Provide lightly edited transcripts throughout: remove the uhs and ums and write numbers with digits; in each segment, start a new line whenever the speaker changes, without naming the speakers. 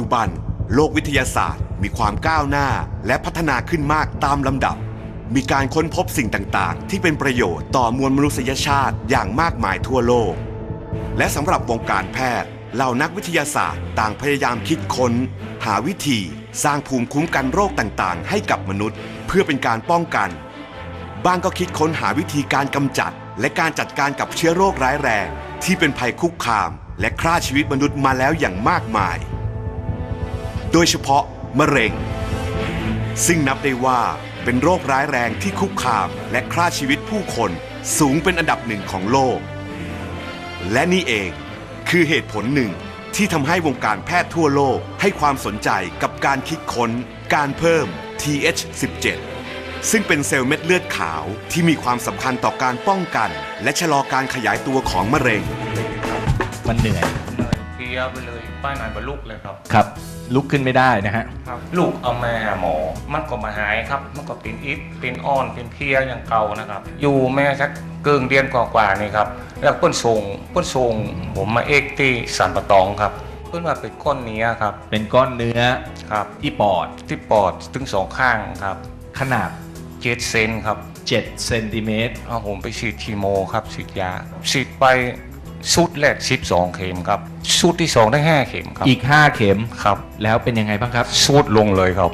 บันโลกวิทยาศาสตร์มีความก้าวหน้าและพัฒนาขึ้นมากตามลำดับมีการค้นพบสิ่งต่างๆที่เป็นประโยชน์ต่อมวลมนุษยชาติอย่างมากมายทั่วโลกและสำหรับวงการแพทย์เหล่านักวิทยาศาสตร์ต่างพยายามคิดค้นหาวิธีสร้างภูมิคุ้มกันโรคต่างๆให้กับมนุษย์เพื่อเป็นการป้องกันบ้างก็คิดค้นหาวิธีการกำจัดและการจัดการกับเชื้อโรคร้ายแรงที่เป็นภัยคุกคามและฆ่าชีวิตมนุษย์มาแล้วอย่างมากมายโดยเฉพาะมะเร็งซึ่งนับได้ว่าเป็นโรคร้ายแรงที่คุกคามและฆ่าชีวิตผู้คนสูงเป็นอันดับหนึ่งของโลกและนี่เองคือเหตุผลหนึ่งที่ทำให้วงการแพทย์ทั่วโลกให้ความสนใจกับการคิดค้นการเพิ่ม TH17 ซึ่งเป็นเซลล์เม็ดเลือดขาวที่มีความสำคัญต่อการป้องกันและชะลอการขยายตัวของมะเร็ง
มันเหนื่อย
เพลียไปเลยป้ายนานบรรลุเลยครับ
ครับลุกขึ้นไม่ได้นะฮะ
ลูกเอามาหาหมอมันก็มาหายครับมันก็เป็นอิดเป็นอ่อนเป็นเพลียอย่างเก่านะครับอยู่แม่สักเกินเดือนกว่าๆนี่ครับแล้วเปิ้นส่งผมมาเอ็กที่สันปะตองครับเปิ้นว่าเป็นก้อนเนื้อครับ
เป็นก้อนเนื้อ
ครับ
ที่ปอด
ถึงสองข้างครับ
ขนาด
7 เซนครับ
7 เซนติเมตร
ผมไปฉีดคีโมครับฉีดยาฉีดไปชุดแรก12 เข็มครับชุดที่2ได้5 เข็มครับ
อีก5 เข็ม
ครับ
แล้วเป็นยังไงบ้างครับ
ชุดลงเลยครับ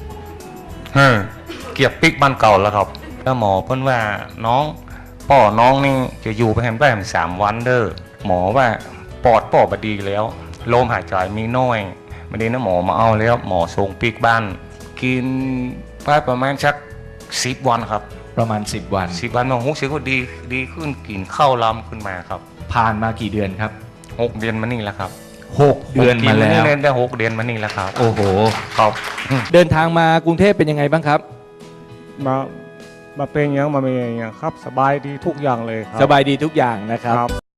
เกียบปิกบ้านเก่าแล้วครับแล้วหมอเพิ่นว่าน้องนี่จะอยู่ไปแฮมได้3 วันเด้อหมอว่าปอดบดีแล้วลมหายใจมีน้อยไม่ได้นะหมอมาเอาแล้วหมอส่งปิกบ้านกินไปประมาณสัก10 วันครับ
ประมาณ10 วัน
หมอรู้สึกว่าดีขึ้นกินข้าวล้ำขึ้นมาครับ
ผ่านมากี่เดือนครับ
6 เดือนมานี่แล้วครับ
6 เดือนมาแล้ว
เล่นได้6 เดือนมานี่แล้วครับ
โอ้โห
ครับ
เดินทางมากรุงเทพเป็นยังไงบ้างครับ
มาเป็นอย่างมาเป็นอย่างครับสบายดีทุกอย่างเลยครับ
สบายดีทุกอย่างนะครับ